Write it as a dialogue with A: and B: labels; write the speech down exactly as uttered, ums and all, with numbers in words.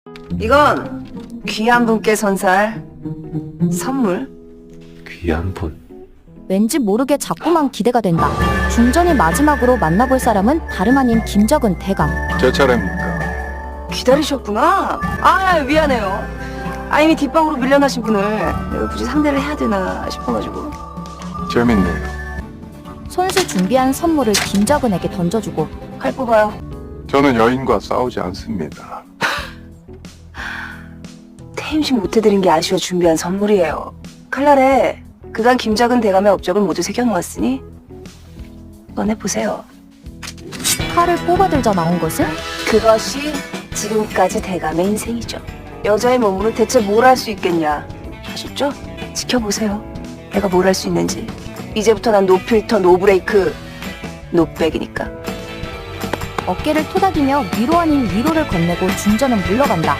A: 이건 귀한 분께 선사할 선물.
B: 귀한 분.
C: 왠지 모르게 자꾸만 기대가 된다. 중전이 마지막으로 만나볼 사람은 다름 아닌 김적은 대감.
D: 제 차례입니까?
A: 기다리셨구나. 아, 미안해요. 아, 이미 뒷방으로 밀려나신 분을 내가 굳이 상대를 해야 되나 싶어가지고.
D: 재밌네요.
C: 손수 준비한 선물을 김적은에게 던져주고
A: 칼 뽑아요.
D: 저는 여인과 싸우지 않습니다.
A: 퇴임식 못해드린 게 아쉬워 준비한 선물이에요. 칼날에 그간 김작은 대감의 업적을 모두 새겨놓았으니 꺼내보세요.
C: 칼을 뽑아들자 나온 것은
A: 그것이 지금까지 대감의 인생이죠. 여자의 몸으로 대체 뭘 할 수 있겠냐 하셨죠? 지켜보세요. 내가 뭘 할 수 있는지. 이제부터 난 노필터, 노브레이크, 노백이니까.
C: 어깨를 토닥이며 위로 아닌 위로를 건네고 중전은 물러간다.